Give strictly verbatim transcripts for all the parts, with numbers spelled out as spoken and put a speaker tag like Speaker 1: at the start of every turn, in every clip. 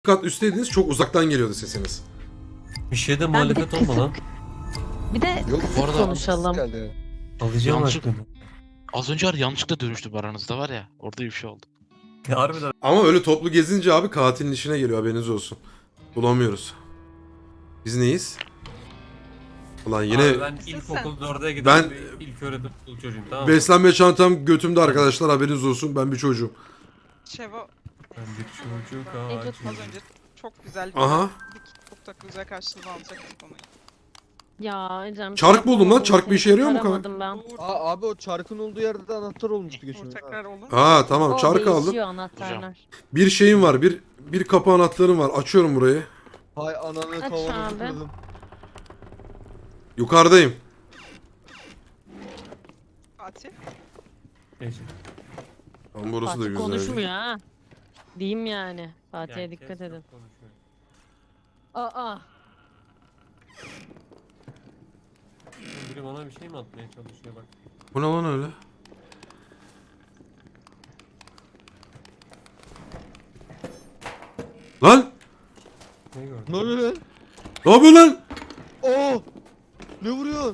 Speaker 1: kat üstteydiniz, çok uzaktan geliyordu sesiniz.
Speaker 2: Bir şeyde
Speaker 3: Ben bir de
Speaker 2: muhalefet olma lan.
Speaker 3: kısık. Bir de
Speaker 4: Yok
Speaker 3: kısık
Speaker 4: arada
Speaker 3: konuşalım.
Speaker 4: geldi.
Speaker 2: Alacağım
Speaker 5: Yanlışlık-
Speaker 2: aklını.
Speaker 5: Az önce var yanlışlıkla dönüştüm aranızda var ya. Orada bir şey oldu.
Speaker 2: Ya harbiden.
Speaker 1: Ama öyle toplu gezince abi katilin işine geliyor, haberiniz olsun. Bulamıyoruz. Biz neyiz? Ulan yine
Speaker 2: Abi ben ilkokul dörde giden
Speaker 1: Ben-
Speaker 2: bir ilk öğretim okulu çocuğum, tamam mı?
Speaker 1: beslenme çantam götümde arkadaşlar, haberiniz olsun, ben bir çocuğum.
Speaker 6: Şevo
Speaker 2: Ben bir çocuk
Speaker 6: az
Speaker 2: ağacıyım.
Speaker 6: önce çok güzel bir
Speaker 1: Aha.
Speaker 6: çok da güzel karşılığını alacaktık onu.
Speaker 3: Ya Ecem.
Speaker 1: Çark buldum lan, çark bir işe yarıyor mu kanka?
Speaker 3: Aramadım ben.
Speaker 6: Uğur,
Speaker 4: Aa abi o çarkın olduğu yerde de anahtar olmuştu geçen.
Speaker 6: Uğur tekrar olur mu?
Speaker 1: Aa tamam,
Speaker 3: O
Speaker 1: çark aldım.
Speaker 3: değişiyor anahtarlar.
Speaker 1: Bir şeyim var, bir bir kapı anahtarım var. Açıyorum burayı.
Speaker 4: Hay ananı
Speaker 3: Aç
Speaker 4: tavana
Speaker 3: abi.
Speaker 4: tıkladım.
Speaker 1: Yukarıdayım.
Speaker 6: Fatih.
Speaker 2: Neyse.
Speaker 1: Lan burası da
Speaker 3: Fatih
Speaker 1: güzel.
Speaker 3: konuşmuyor ha. Diyeyim yani. Fatih'e
Speaker 2: Yani
Speaker 3: dikkat
Speaker 2: kes
Speaker 3: edin.
Speaker 2: çok konuşuyor.
Speaker 3: Aa.
Speaker 2: Biri bana bir şey mi atmaya çalışıyor bak.
Speaker 1: Bu ne lan öyle? Lan!
Speaker 2: Ne gördün?
Speaker 4: Ne oluyor lan?
Speaker 1: Ne yapıyorsun lan?
Speaker 4: Oo! Ne vuruyorsun?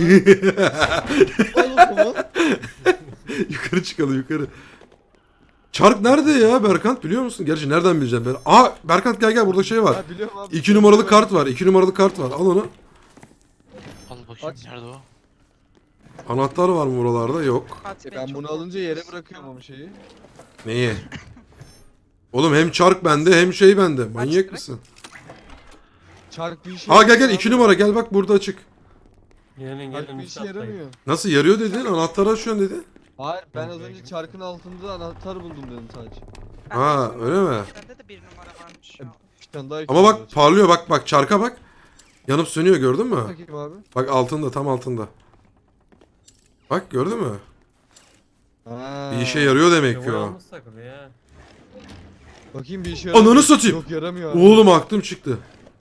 Speaker 2: Ne oluyor?
Speaker 4: Oğlum bu.
Speaker 1: Yukarı çıkalım, yukarı. Çark nerede ya Berkant, biliyor musun? Gerçi nereden bileceğim ben? Aa Berkant, gel gel, burada şey var.
Speaker 4: Ha biliyorum abi.
Speaker 1: İki numaralı kart var. iki numaralı kart var. Al onu.
Speaker 5: Al bakayım
Speaker 4: Aç.
Speaker 5: nerede o?
Speaker 1: Anahtar var mı buralarda? Yok.
Speaker 6: Fatih
Speaker 4: E
Speaker 6: Bey
Speaker 4: ben
Speaker 6: çok
Speaker 4: bunu alınca yere
Speaker 6: korkuyorsun.
Speaker 4: bırakıyorum ama şeyi.
Speaker 1: Neyi? Oğlum hem çark bende hem şey bende. Manyak
Speaker 6: direkt.
Speaker 1: mısın?
Speaker 4: Çark bir işe
Speaker 1: Aa gel gel,
Speaker 4: yaramıyor
Speaker 1: iki
Speaker 4: abi.
Speaker 1: numara, gel bak burada açık.
Speaker 2: Gelin
Speaker 4: Çark
Speaker 2: gelin
Speaker 4: bir
Speaker 2: üstü
Speaker 4: işe
Speaker 2: atlayın.
Speaker 4: yaramıyor.
Speaker 1: Nasıl yarıyor dedin? Anahtarı açıyorsun dedi.
Speaker 4: Hayır ben
Speaker 2: Yok,
Speaker 4: az
Speaker 2: ben
Speaker 4: önce
Speaker 2: girdim.
Speaker 4: çarkın altında anahtar buldum dedim sadece.
Speaker 6: Bende
Speaker 1: Ha
Speaker 6: bir
Speaker 1: öyle
Speaker 6: numara-
Speaker 1: mi?
Speaker 6: Bende de bir numara varmış şu an.
Speaker 4: Bir tane daha
Speaker 1: Ama bak parlıyor, bak bak çarka bak. Yanıp sönüyor, gördün mü?
Speaker 4: Bakayım abi.
Speaker 1: Bak altında, tam altında. Bak gördün mü?
Speaker 4: Ha.
Speaker 1: Bir işe yarıyor demek ki
Speaker 2: Ya
Speaker 1: o.
Speaker 2: yalnız takılı ya.
Speaker 4: Bakayım bir işe
Speaker 1: Ananı
Speaker 4: yaramıyor.
Speaker 1: satayım.
Speaker 4: Yok yaramıyor abi.
Speaker 1: Oğlum aklım çıktı.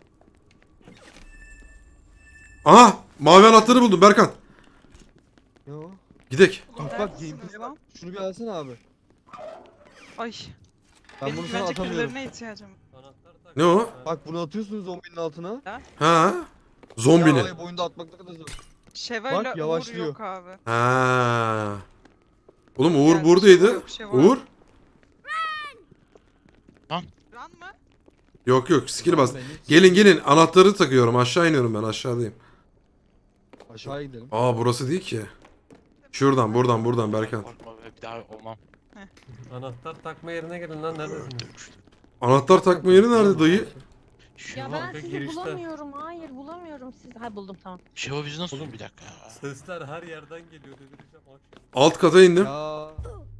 Speaker 1: Aha mavi anahtarı buldum Berkan.
Speaker 4: Ne o?
Speaker 1: Gidek.
Speaker 4: Bak bak
Speaker 6: Neredesiniz
Speaker 4: gameplay
Speaker 6: lan?
Speaker 4: bak. Şunu bir alsana abi.
Speaker 6: Ay.
Speaker 4: Ben
Speaker 6: Benim
Speaker 4: bunu sana
Speaker 6: güvenecek
Speaker 4: atamıyorum.
Speaker 6: birilerine ihtiyacım var.
Speaker 2: Anahtar tak.
Speaker 1: Ne o?
Speaker 4: Bak bunu atıyorsunuz zombinin altına.
Speaker 1: Ha? Zombinin.
Speaker 4: Ya orayı boyunda atmak ne kadar zor.
Speaker 6: Şeva
Speaker 4: Bak,
Speaker 6: ile Uğur
Speaker 4: yavaşlıyor.
Speaker 6: yok abi.
Speaker 1: Ha. Oğlum Uğur
Speaker 6: Yani
Speaker 1: buradaydı.
Speaker 6: Şeva yok, Şeva
Speaker 1: Uğur?
Speaker 6: yok. Run mı?
Speaker 1: Yok yok, skill bas.
Speaker 4: Ben hiç-
Speaker 1: Gelin gelin, anahtarı takıyorum. Aşağı iniyorum, ben aşağıdayım.
Speaker 4: Aşağı gidelim.
Speaker 1: Aa burası değil ki. Şuradan buradan buradan Berkan.
Speaker 5: Korkma be, bir daha olmam.
Speaker 2: Anahtar takma yerine gelin lan, neredesiniz?
Speaker 5: Dönmüştüm.
Speaker 1: Anahtar takma yeri nerede dayı?
Speaker 5: Şevo,
Speaker 3: Ya ben
Speaker 2: Şeva,
Speaker 3: sizi
Speaker 2: girişte.
Speaker 3: bulamıyorum. Hayır bulamıyorum sizi. Ha buldum tamam.
Speaker 5: Şevo biz nasıl
Speaker 2: Oğlum.
Speaker 5: bir dakika ya.
Speaker 2: Sesler her yerden geliyor, delireceğim akşam.
Speaker 1: Alt kata indim.
Speaker 4: Ya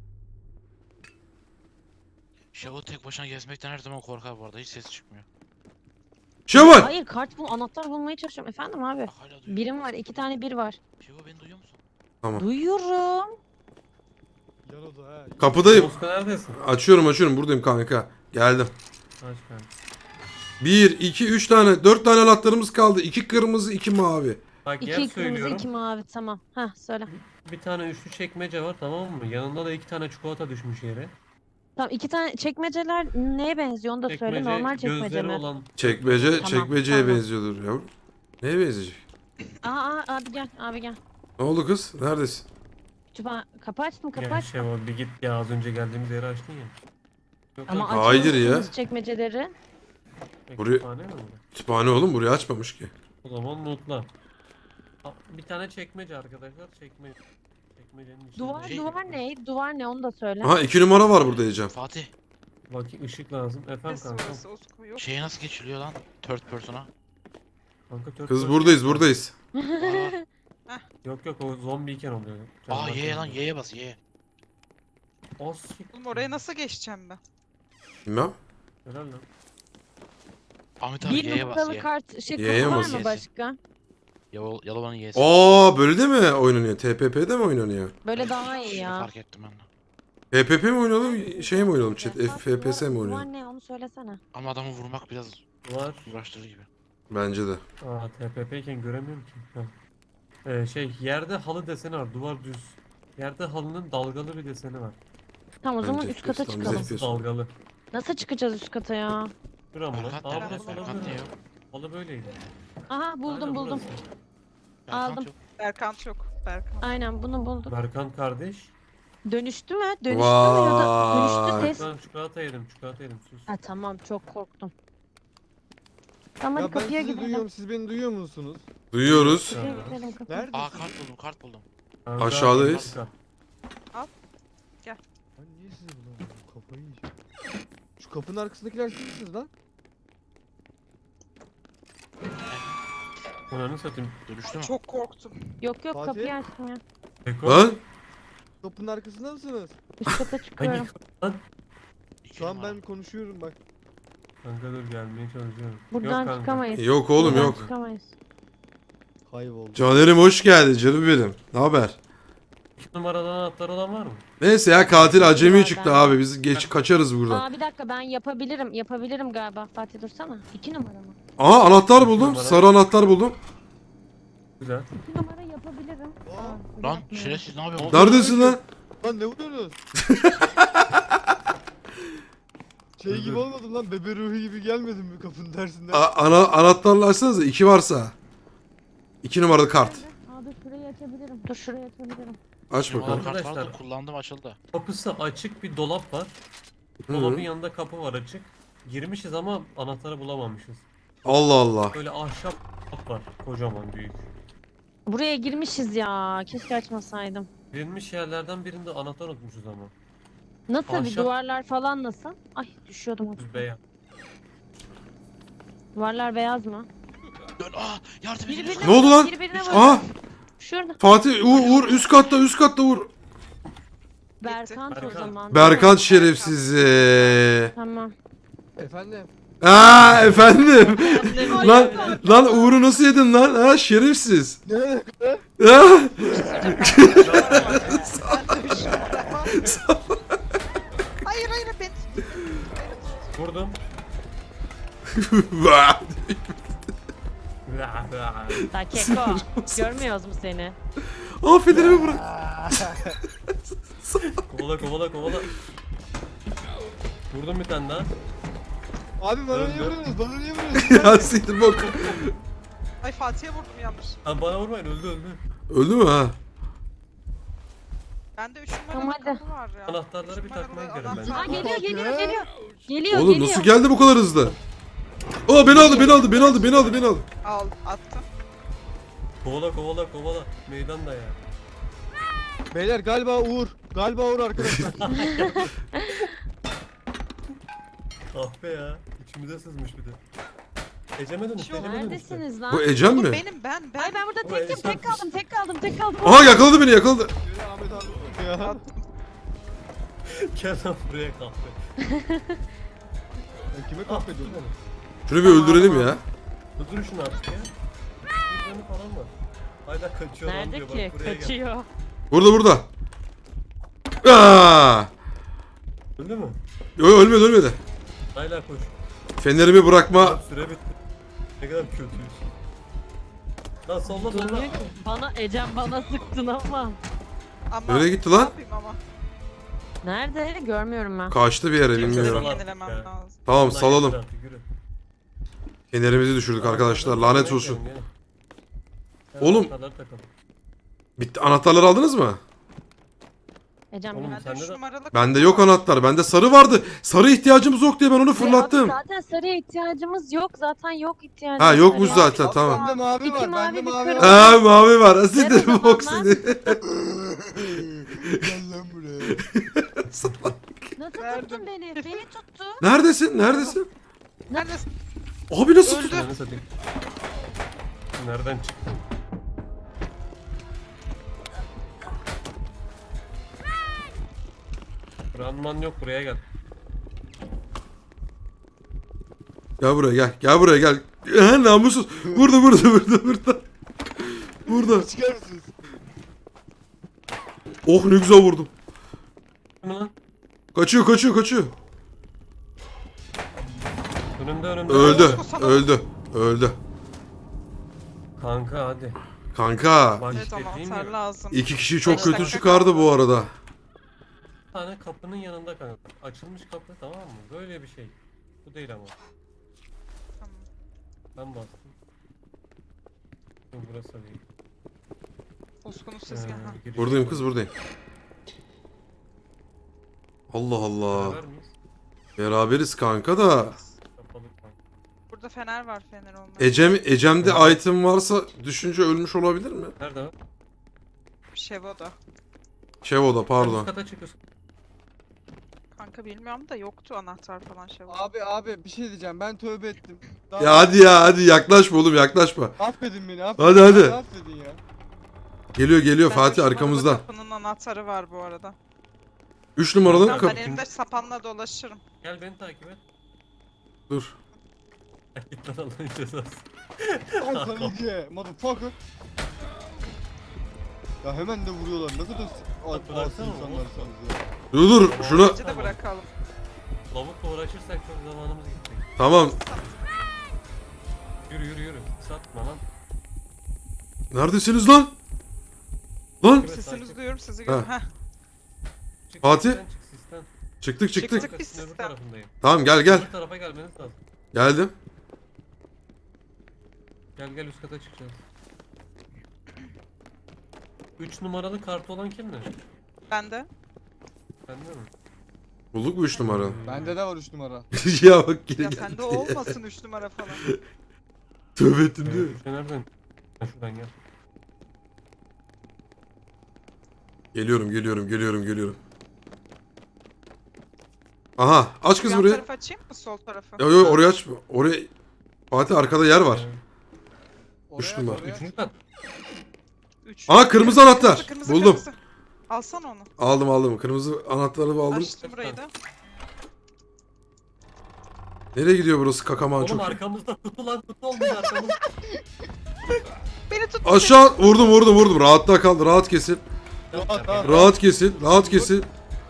Speaker 5: Şevo tek başına gezmekten her zaman korkar bu arada, hiç ses çıkmıyor.
Speaker 1: Şevval!
Speaker 3: Hayır kart bul anahtar bulmaya çalışıyorum. Efendim abi.
Speaker 5: Bak hala duyuyor.
Speaker 3: Birim var. iki tane bir var.
Speaker 5: Şevo beni duyuyor musun?
Speaker 3: Duyuyorum.
Speaker 4: yan oda ha.
Speaker 1: Kapıdayım.
Speaker 2: Moska neredesin?
Speaker 1: Açıyorum açıyorum, buradayım kanka. Geldim.
Speaker 2: Aç kanka.
Speaker 1: Bir, iki, üç tane, dört tane anahtarımız kaldı. İki kırmızı, iki mavi.
Speaker 2: Bak yer
Speaker 3: İki kırmızı
Speaker 2: söylüyorum.
Speaker 3: iki mavi tamam. Heh söyle.
Speaker 2: Bir tane üçlü çekmece var, tamam mı? Yanında da iki tane çikolata düşmüş yere.
Speaker 3: Tamam iki tane çekmeceler neye benziyor onu da söyle. Normal çekmece
Speaker 2: gözleri
Speaker 3: mi?
Speaker 2: olan.
Speaker 1: Çekmece,
Speaker 3: Tamam,
Speaker 1: çekmeceye
Speaker 3: tamam.
Speaker 1: benziyordur yavrum. Neye benzeyecek?
Speaker 3: Aa, aa abi gel abi gel.
Speaker 1: Ne oldu kız? Neredesin?
Speaker 3: Kütüphane kapı açtım kapı
Speaker 2: Ya
Speaker 3: açtım.
Speaker 2: şey var, bir git ya, az önce geldiğimiz yeri açtın ya. Yok,
Speaker 3: Ama
Speaker 2: yok,
Speaker 1: Hayır
Speaker 3: açıyorsunuz
Speaker 1: ya.
Speaker 3: çekmeceleri.
Speaker 2: kütüphane
Speaker 1: buraya-
Speaker 2: mi bu?
Speaker 1: Kütüphane oğlum, burayı açmamış ki.
Speaker 2: O zaman notla. Aa, bir tane çekmece arkadaşlar, çekme. Çekmecenin içinde.
Speaker 3: Duvar
Speaker 5: Şey-
Speaker 3: duvar ne? Duvar ne onu da söyle.
Speaker 1: Aha iki numara var burada Ecem.
Speaker 5: Fatih,
Speaker 2: Bak ışık lazım. Efendim
Speaker 6: Neresi
Speaker 2: kanka.
Speaker 6: orası? Osko yok.
Speaker 5: şeye nasıl geçiliyor lan? Third person'a.
Speaker 2: Kanka tört
Speaker 1: Kız
Speaker 2: dört
Speaker 1: buradayız
Speaker 2: yok.
Speaker 1: buradayız.
Speaker 5: Aa,
Speaker 2: Yok yok, o zombiyken oluyor.
Speaker 5: aa
Speaker 2: Canavar
Speaker 5: Y'ye lan,
Speaker 2: canavar.
Speaker 5: Y'ye bas Y'ye.
Speaker 2: O sik.
Speaker 6: Oğlum oraya nasıl geçeceğim ben?
Speaker 1: Bilmem.
Speaker 2: Helal lan.
Speaker 5: Ahmet abi
Speaker 3: Bir
Speaker 5: Y'ye bas
Speaker 3: numaralı
Speaker 5: Y.
Speaker 3: kart şey
Speaker 1: Y'ye
Speaker 3: kapı var
Speaker 1: basın.
Speaker 3: mı başka?
Speaker 5: Yalo- Yalova'nın Y'si.
Speaker 1: Aa böyle de mi oynanıyor? T P P'de mi oynanıyor?
Speaker 3: Böyle daha iyi
Speaker 5: Şunu
Speaker 3: ya.
Speaker 5: fark ettim ben de.
Speaker 1: P P P mi oynayalım, şey mi oynayalım chat? F P S mi
Speaker 3: Duvar
Speaker 1: oynayalım?
Speaker 3: ne onu söylesene.
Speaker 5: Ama adamı vurmak biraz
Speaker 2: Var.
Speaker 5: uğraştırıcı gibi.
Speaker 1: Bence de.
Speaker 2: Aa T P P iken göremiyorum ki. Ha. Ee, şey yerde halı deseni var, duvar düz. Yerde halının dalgalı bir deseni var.
Speaker 3: Tamam o zaman
Speaker 1: Bence
Speaker 3: üst kata
Speaker 1: F P S,
Speaker 3: çıkalım.
Speaker 1: F P S.
Speaker 2: Dalgalı.
Speaker 3: Nasıl çıkacağız üst kata ya?
Speaker 2: Şura mı lan?
Speaker 5: Berkant
Speaker 2: Aa
Speaker 5: nerede?
Speaker 2: burası
Speaker 5: Berkant
Speaker 2: olabilir.
Speaker 5: niye yok?
Speaker 2: Halı böyleydi.
Speaker 3: Aha buldum
Speaker 2: Aynen
Speaker 3: buldum.
Speaker 2: burası.
Speaker 5: Berkant
Speaker 3: Aldım.
Speaker 5: yok.
Speaker 6: Berkant yok. Berkant.
Speaker 3: Aynen bunu buldum.
Speaker 2: Berkant kardeş.
Speaker 3: Dönüştü mü? Dönüştü mü ya da
Speaker 1: Vay.
Speaker 3: dönüştü ses.
Speaker 2: Ben çikolata yedim, çikolata yedim. Sus.
Speaker 3: Ha tamam çok korktum. Tamam
Speaker 4: Ya
Speaker 3: hadi
Speaker 4: ben
Speaker 3: kapıya
Speaker 4: sizi
Speaker 3: gidelim.
Speaker 4: duyuyorum. Siz beni duyuyor musunuz?
Speaker 1: Duyuyoruz.
Speaker 3: Kapıya gidelim kapıya.
Speaker 4: Nerede?
Speaker 5: Aa kart buldum kart buldum.
Speaker 2: Kanka,
Speaker 1: Aşağıdayız.
Speaker 2: kanka.
Speaker 4: Ben niye sizi bulamıyorum? Kafayı yiyeceğim. Şu kapının arkasındakiler siz misiniz lan?
Speaker 2: Ananı satayım.
Speaker 5: Dönüştü mü?
Speaker 6: Çok korktum.
Speaker 3: Yok yok
Speaker 4: Fatih?
Speaker 3: kapıyı açtım ya.
Speaker 2: Beko.
Speaker 1: Lan
Speaker 4: Kapının arkasında mısınız?
Speaker 3: Üst kata
Speaker 2: Hangi
Speaker 3: çıkıyorum.
Speaker 2: kapı lan?
Speaker 5: İki
Speaker 4: Şu an
Speaker 5: numara.
Speaker 4: ben konuşuyorum bak.
Speaker 2: Kanka dur gelmeye çalışıyorum.
Speaker 3: Buradan
Speaker 2: yok kanka.
Speaker 3: çıkamayız.
Speaker 1: yok oğlum
Speaker 3: Buradan
Speaker 1: yok.
Speaker 3: Çıkamayız.
Speaker 4: Kayboldu.
Speaker 1: Caner'im hoş geldin canım benim. Ne haber?
Speaker 2: İki numaradan anahtar olan var mı?
Speaker 1: Neyse ya katil acemi
Speaker 3: Var,
Speaker 1: çıktı
Speaker 3: ben-
Speaker 1: abi. Biz geç kaçarız buradan.
Speaker 3: Aa bir dakika ben yapabilirim. Yapabilirim galiba. Fatih dursana. İki numara mı?
Speaker 1: Aa anahtar buldum.
Speaker 2: Numara.
Speaker 1: Sarı anahtar buldum.
Speaker 2: Güzel.
Speaker 3: İki numara yapabilirim.
Speaker 4: Aa,
Speaker 3: Aa,
Speaker 5: Lan
Speaker 3: yapmıyorum.
Speaker 5: şerefsiz ne yapıyorsun?
Speaker 1: Neredesin lan?
Speaker 4: Lan ne vuruyorsunuz? şey
Speaker 2: Dur,
Speaker 4: gibi
Speaker 2: dur.
Speaker 4: olmadım lan, bebe ruhu gibi gelmedim mi kapının dersinden?
Speaker 1: A- ana anahtarla açsanıza iki varsa. İki numaralı kart.
Speaker 3: Aa dur şurayı açabilirim. Dur şurayı açabilirim.
Speaker 1: Aç
Speaker 5: Benim
Speaker 1: bakalım.
Speaker 5: kart vardı
Speaker 2: Arkadaşlar.
Speaker 5: kullandım açıldı.
Speaker 2: Kapısı açık bir dolap var.
Speaker 1: Hı.
Speaker 2: Dolabın yanında kapı var açık. Girmişiz ama anahtarı bulamamışız.
Speaker 1: Allah Allah.
Speaker 2: Böyle ahşap kapı var. Kocaman büyük.
Speaker 3: Buraya girmişiz ya. Keşke açmasaydım.
Speaker 2: Girilmiş yerlerden birinde anahtar unutmuşuz ama.
Speaker 3: Nasıl bir
Speaker 2: Ahşap-
Speaker 3: duvarlar falan nasıl? Ay düşüyordum.
Speaker 2: Düz beyaz.
Speaker 3: Duvarlar beyaz mı?
Speaker 5: Dön aa yardım edin.
Speaker 3: Birbirine
Speaker 1: Ne oldu
Speaker 3: vur,
Speaker 1: lan?
Speaker 3: Birbirine vur.
Speaker 1: Aa
Speaker 3: Şurada.
Speaker 1: Fatih Uğur, Uğur üst katta üst katta Uğur.
Speaker 3: Berkant o
Speaker 2: Berkant.
Speaker 3: zaman.
Speaker 1: Berkant şerefsizi.
Speaker 3: Tamam.
Speaker 4: Efendim?
Speaker 1: Aa efendim. lan lan Uğur'u nasıl yedin lan? Ha şerefsiz.
Speaker 4: Ne alaka?
Speaker 1: Ha?
Speaker 6: Hayır hayır ben.
Speaker 2: Vurdum.
Speaker 3: Ta keko. Görmüyoruz mu seni?
Speaker 1: Aa Federer'i bırak.
Speaker 2: kovala kovala kovala. Vurdum bir tane daha.
Speaker 4: Abi bana niye
Speaker 2: Öldü.
Speaker 4: vuruyorsunuz? Bana niye vuruyorsunuz?
Speaker 1: ya siktir bok.
Speaker 6: Ay Fatih'e vurdum yanlış.
Speaker 2: Ha bana vurmayın öldü öldü.
Speaker 1: Öldü mü ha?
Speaker 6: Bende üç numaralı
Speaker 3: Tamam, hadi.
Speaker 6: kapı var ya.
Speaker 2: Anahtarları
Speaker 6: Üç
Speaker 2: bir
Speaker 6: numaralı
Speaker 2: takmaya gidelim
Speaker 6: anahtar
Speaker 2: bence.
Speaker 3: Aa
Speaker 6: var.
Speaker 3: geliyor geliyor
Speaker 4: Ya.
Speaker 3: geliyor. Geliyor
Speaker 1: Oğlum
Speaker 3: geliyor.
Speaker 1: nasıl geldi bu kadar hızlı? Aa beni aldı beni aldı beni aldı beni aldı beni aldı.
Speaker 6: Al attım.
Speaker 2: Kovala kovala kovala. Meydanda ya.
Speaker 4: Beyler galiba Uğur. Galiba Uğur arkadaşlar.
Speaker 2: Kahpe ya. İçimize sızmış bir de. Ecem'e dönüştü.
Speaker 6: Şu-
Speaker 2: Ecem'e dönüştü.
Speaker 3: Neredesiniz lan?
Speaker 1: Bu Ecem
Speaker 6: Oğlum
Speaker 1: mi?
Speaker 6: benim ben ben.
Speaker 3: Ay ben burada
Speaker 2: Bu
Speaker 3: tekim
Speaker 2: Ecem.
Speaker 3: tek kaldım tek kaldım tek kaldım.
Speaker 1: Aha yakaladı beni yakaladı.
Speaker 4: Yürü Ahmet abi ya.
Speaker 6: Attım.
Speaker 2: Gel lan buraya kahpe.
Speaker 4: Ben kime kahvediyorum oğlum?
Speaker 1: Şunu bir öldürelim ya.
Speaker 2: Dur şunu artık ya. Bir canı falan var. Hala kaçıyor lan
Speaker 3: Nerede
Speaker 2: diyor.
Speaker 3: ki?
Speaker 2: Bak buraya gel.
Speaker 3: Kaçıyor.
Speaker 1: Burada burada. Aa!
Speaker 2: Öldü mü?
Speaker 1: Yo, ölmedi ölmedi.
Speaker 2: Hala koş.
Speaker 1: Fenerimi bırakma.
Speaker 2: Süre bitti. Ne kadar kötüyüz. Lan solla solla.
Speaker 3: Durmuyor ki. Bana Ecem bana sıktın ama.
Speaker 6: Ama
Speaker 1: Nereye gitti
Speaker 6: ne
Speaker 1: lan?
Speaker 6: yapayım ama.
Speaker 3: Nerede? Görmüyorum ben.
Speaker 1: Kaçtı bir yere
Speaker 6: Kimse
Speaker 1: bilmiyorum.
Speaker 2: Salak
Speaker 6: yenilemem
Speaker 2: ya.
Speaker 6: lazım.
Speaker 1: Tamam
Speaker 2: Ulan
Speaker 1: salalım.
Speaker 2: yeter artık, yürü.
Speaker 1: Fenerimizi düşürdük arkadaşlar. Lanet olsun.
Speaker 2: Gel. Gel,
Speaker 1: Oğlum.
Speaker 2: anahtarları takalım.
Speaker 1: Bitti. Anahtarları aldınız mı?
Speaker 3: Ecem
Speaker 2: Oğlum,
Speaker 3: gel.
Speaker 6: Bende
Speaker 2: sende
Speaker 6: üç
Speaker 2: de-
Speaker 6: numaralı
Speaker 1: Bende
Speaker 6: kapı
Speaker 1: yok
Speaker 6: var.
Speaker 1: anahtar. Bende sarı vardı. Sarı ihtiyacımız yok diye ben onu
Speaker 3: Abi
Speaker 1: fırlattım.
Speaker 3: zaten sarıya ihtiyacımız yok. Zaten yok ihtiyacımız.
Speaker 1: Ha yokmuş
Speaker 3: sarıya.
Speaker 1: zaten tamam.
Speaker 4: Bende mavi
Speaker 3: İki
Speaker 4: var.
Speaker 3: mavi,
Speaker 4: Bende
Speaker 3: bir
Speaker 4: mavi
Speaker 3: kırmızı.
Speaker 4: var.
Speaker 1: Ha mavi var.
Speaker 3: Ver o
Speaker 1: Asidir
Speaker 3: zaman
Speaker 1: bok
Speaker 3: lan.
Speaker 1: seni.
Speaker 4: Gel lan buraya.
Speaker 3: Nasıl
Speaker 6: Verdim.
Speaker 3: tuttun beni? Beni tuttu.
Speaker 1: Neredesin? Neredesin?
Speaker 6: Neredesin?
Speaker 1: Abi nasıl?
Speaker 6: Öldü.
Speaker 2: Ananı satayım. Nereden çıktı? Ranman yok buraya gel.
Speaker 1: Gel buraya gel. Gel buraya gel. Ha, namussuz. Burada burada burada burada. Burada.
Speaker 4: Çıkar mısınız?
Speaker 1: Oh ne güzel vurdum.
Speaker 2: Değil mi lan?
Speaker 1: Kaçıyor kaçıyor kaçıyor.
Speaker 2: Önümde önümde.
Speaker 1: Öldü. Öldü. Öldü.
Speaker 2: Kanka hadi.
Speaker 1: Kanka.
Speaker 2: Bak
Speaker 6: Evet
Speaker 2: işte değil
Speaker 6: anahtar
Speaker 2: mi?
Speaker 6: lazım.
Speaker 1: iki kişi çok
Speaker 6: Beş
Speaker 1: kötü
Speaker 6: dakika
Speaker 1: çıkardı
Speaker 6: kaldı.
Speaker 1: bu arada.
Speaker 2: Bir tane kapının yanında kanka. Açılmış kapı tamam mı? Böyle bir şey. Bu değil ama. Ben bastım. Yok, burası da değil.
Speaker 6: Uskunuz sesi.
Speaker 2: Ee,
Speaker 6: Ha.
Speaker 2: giriş
Speaker 1: Buradayım
Speaker 2: yok.
Speaker 1: kız buradayım. Allah Allah.
Speaker 2: Beraber miyiz?
Speaker 1: Beraberiz kanka da.
Speaker 2: Kapalı kanka.
Speaker 6: Burada fener var, fener olmaz.
Speaker 1: Ecem, Ecem'de item varsa düşünce ölmüş olabilir mi?
Speaker 2: Nerede o?
Speaker 6: Şevo'da.
Speaker 1: Şevo'da
Speaker 2: Üst
Speaker 1: pardon.
Speaker 2: kata çıkıyorsun.
Speaker 6: Kanka bilmiyorum da yoktu anahtar falan Şevo'da.
Speaker 4: Abi abi bir şey diyeceğim. Ben tövbe ettim. Daha
Speaker 1: Ya hadi ya hadi yaklaşma oğlum yaklaşma.
Speaker 4: Affedin beni. Affedin.
Speaker 1: Hadi, hadi.
Speaker 4: Beni Affedin ya.
Speaker 1: Geliyor geliyor
Speaker 6: Bende
Speaker 1: Fatih
Speaker 6: üç numaralı
Speaker 1: arkamızda.
Speaker 6: Kapının anahtarı var bu arada.
Speaker 1: üç numaralı
Speaker 6: Tamam,
Speaker 1: kapı.
Speaker 6: ben elimde sapanla dolaşırım.
Speaker 2: Gel beni takip et.
Speaker 1: Dur.
Speaker 2: Git lan Allah'ın cezası.
Speaker 4: Al sana iyice. Motherfucker. Ya hemen de vuruyorlar. Ne kadar s- al-
Speaker 2: Bıraksana
Speaker 4: alsın
Speaker 2: oğlum.
Speaker 4: insanlarsınız ya.
Speaker 1: Dur dur şuna.
Speaker 6: Bence de bırakalım.
Speaker 2: Lavukla uğraşırsak çok zamanımız gidecek.
Speaker 1: Tamam.
Speaker 2: Yürü yürü yürü. Satma lan.
Speaker 1: Neredesiniz lan? Lan.
Speaker 2: Evet,
Speaker 6: Sesinizi
Speaker 2: takip.
Speaker 6: duyuyorum, sizi görüyorum. Heh.
Speaker 2: Çık
Speaker 1: Fatih.
Speaker 2: Sistem, çık sistem.
Speaker 1: Çıktık çıktık.
Speaker 6: Çıktık.
Speaker 2: Arkasının
Speaker 6: sistem.
Speaker 2: öbür tarafındayım.
Speaker 1: Tamam gel gel.
Speaker 2: Öbür tarafa gelmeniz lazım.
Speaker 1: Geldim.
Speaker 2: Gel gel üst kata çıkacağız. üç numaralı kartı olan kimdi?
Speaker 6: Bende.
Speaker 2: Bende mi?
Speaker 1: Bulduk mu üç numara?
Speaker 4: Bende de var üç numara.
Speaker 1: Ya bak geri
Speaker 6: Ya
Speaker 1: geldi.
Speaker 6: sende olmasın üç numara falan.
Speaker 1: Tövbe ettin değil mi?
Speaker 2: Ee, üçe nereden? Ha, şuradan gel.
Speaker 1: Geliyorum geliyorum geliyorum geliyorum. Aha aç kız
Speaker 6: Yan
Speaker 1: burayı.
Speaker 6: tarafı açayım mı, sol tarafı?
Speaker 1: Yo yo oraya açma. Oraya. Fatih arkada yer var.
Speaker 2: Ee,
Speaker 4: Oraya,
Speaker 1: numara.
Speaker 4: oraya.
Speaker 2: Üçüncü kat.
Speaker 6: Üç.
Speaker 1: Aa, kırmızı anahtar.
Speaker 6: Kırmızı,
Speaker 1: Buldum.
Speaker 6: kırmızı. Alsana onu.
Speaker 1: Aldım aldım. Kırmızı anahtarı aldım.
Speaker 6: Açtım burayı da.
Speaker 1: Nereye gidiyor burası kakaman
Speaker 2: Oğlum
Speaker 1: çok.
Speaker 2: arkamızda kutu lan kutu olmuş arkamızda.
Speaker 6: Beni tut.
Speaker 1: Aşağı vurdum vurdum vurdum. Rahatta kal. Rahat kesin.
Speaker 4: Rahat, rahat.
Speaker 1: Rahat kesin. Rahat kesin.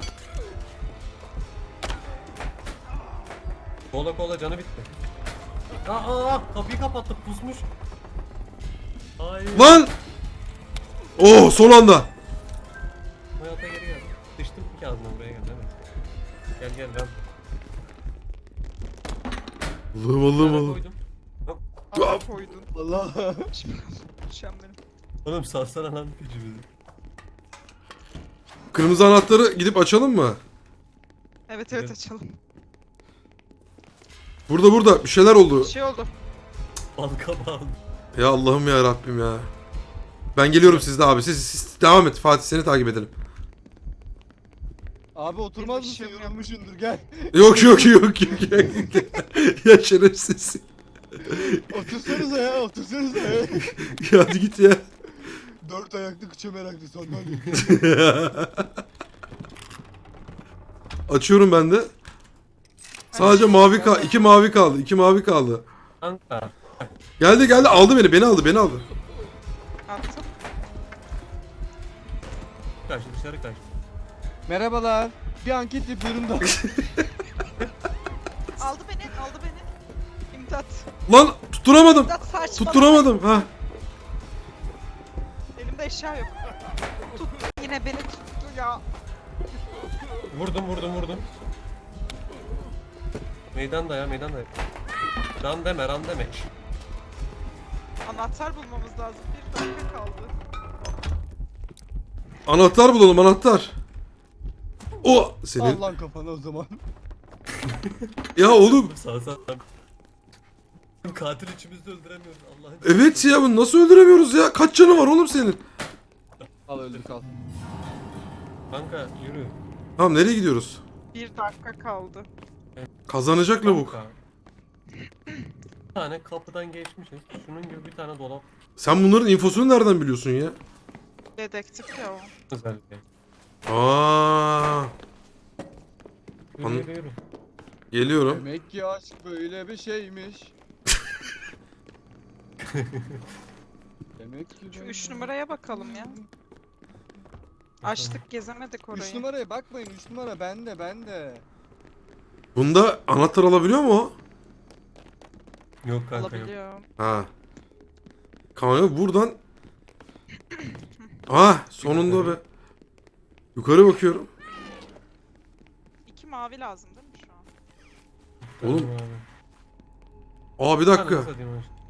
Speaker 2: Kola kola canı bitti. Aa, aa kapıyı kapattı pusmuş. Hayır.
Speaker 1: Lan! Oh son anda.
Speaker 2: Hayata geri gel. Sıçtım ki ağzına buraya gel değil mi? Gel gel ben.
Speaker 1: Allah'ım Allah'ım
Speaker 2: Nereye
Speaker 1: Allah'ım.
Speaker 2: koydum?
Speaker 6: Aa, koydun.
Speaker 4: Allah.
Speaker 6: Düşen benim.
Speaker 2: Oğlum salsana lan gücümüzü.
Speaker 1: Kırmızı anahtarı gidip açalım mı?
Speaker 6: Evet evet
Speaker 2: Evet.
Speaker 6: açalım.
Speaker 1: Burada burada bir şeyler oldu.
Speaker 6: Bir şey oldu.
Speaker 2: Balka bağlı.
Speaker 1: Ya Allah'ım ya Rabbim ya. Ben geliyorum sizde abi. Siz, siz devam et. Fatih seni takip edelim.
Speaker 4: Abi oturmaz
Speaker 6: Benim
Speaker 4: mısın?
Speaker 6: işim yok.
Speaker 4: Yorulmuşsundur gel.
Speaker 1: Yok yok yok yok. Ya şerefsiz.
Speaker 4: Otursanıza ya otursanıza ya.
Speaker 1: Ya hadi git ya.
Speaker 4: Dört ayaklı kıça meraklı sandalye.
Speaker 1: Açıyorum ben de. Sadece mavi kaldı. iki mavi kaldı. iki mavi kaldı.
Speaker 2: Kanka.
Speaker 1: Geldi geldi aldı beni. Beni aldı beni aldı.
Speaker 6: Attım.
Speaker 2: Kaç dışarı kaç.
Speaker 4: Merhabalar. Bir anket yapıyorum da.
Speaker 6: Aldı beni, aldı beni. İmdat.
Speaker 1: Lan tutturamadım.
Speaker 6: İmdat saçmalama.
Speaker 1: Tutturamadım. Ha.
Speaker 6: Elimde eşya yok. Tuttu. Yine beni tuttu ya.
Speaker 2: Vurdum vurdum vurdum. Meydan da ya meydan da. Ran deme ran deme.
Speaker 6: Anahtar bulmamız lazım. Bir dakika kaldı.
Speaker 1: Anahtar bulalım anahtar. O senin.
Speaker 4: Al lan kafana o zaman.
Speaker 1: Ya oğlum.
Speaker 2: Sağ sağ. Katil üçümüzü de öldüremiyoruz Allah'ın.
Speaker 1: Evet ya bunu nasıl öldüremiyoruz ya? Kaç canı var oğlum senin?
Speaker 4: Al öldür kal.
Speaker 2: Kanka yürü.
Speaker 1: Tamam nereye gidiyoruz?
Speaker 6: Bir dakika kaldı.
Speaker 1: Kazanacak lavuk.
Speaker 2: Kanka. Bir tane kapıdan geçmişiz. Şunun gibi bir tane dolap
Speaker 1: Sen bunların infosunu nereden biliyorsun ya?
Speaker 6: Dedektif ya o.
Speaker 2: özellikle.
Speaker 1: Aa,
Speaker 2: Yürü
Speaker 1: An-
Speaker 2: yürü yürü.
Speaker 1: geliyorum.
Speaker 4: Demek ki aşk böyle bir şeymiş. Demek ki
Speaker 6: Şu
Speaker 4: ben-
Speaker 6: üç numaraya bakalım ya. Açtık gezemedik orayı.
Speaker 4: Üç numaraya bakmayın. Üç numara bende bende.
Speaker 1: Bunda anahtar alabiliyor mu o?
Speaker 2: Yok kanka yok.
Speaker 6: Alabiliyor.
Speaker 1: Ha. Kanka buradan. Ah sonunda be. Yukarı bakıyorum.
Speaker 6: İki mavi lazım değil mi şu an?
Speaker 1: Oğlum.
Speaker 2: Tamam abi.
Speaker 1: Aa bir dakika.
Speaker 2: Anasını satayım abi.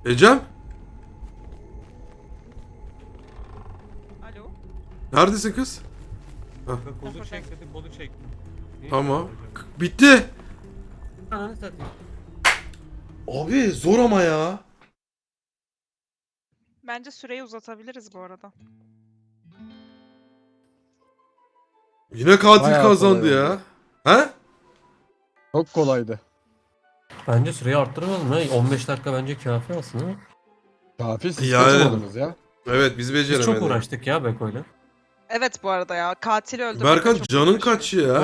Speaker 1: Ecem?
Speaker 6: Alo.
Speaker 1: Neredesin kız?
Speaker 2: Kanka kolu çek dedi kolu çektim. Niye
Speaker 1: Tamam.
Speaker 2: böyle yapacağım?
Speaker 1: K- Bitti.
Speaker 2: Ananı satayım.
Speaker 1: Abi zor ama ya.
Speaker 6: Bence süreyi uzatabiliriz bu arada.
Speaker 1: Yine katil
Speaker 7: Bayağı
Speaker 1: kazandı
Speaker 7: kolay
Speaker 1: ya.
Speaker 7: oldu.
Speaker 1: He?
Speaker 7: Çok kolaydı.
Speaker 2: Bence süreyi arttırmayalım ya. on beş dakika bence kafi aslında.
Speaker 7: Kafi siz
Speaker 1: Yani-
Speaker 7: kaçamadınız ya.
Speaker 1: Evet biz
Speaker 2: Biz
Speaker 1: beceremedik.
Speaker 2: çok uğraştık ya Beko'yla.
Speaker 6: Evet bu arada ya. Katili öldürmek de
Speaker 1: Berkan
Speaker 6: çok
Speaker 1: canın
Speaker 6: uğraşıyor.
Speaker 1: kaç ya?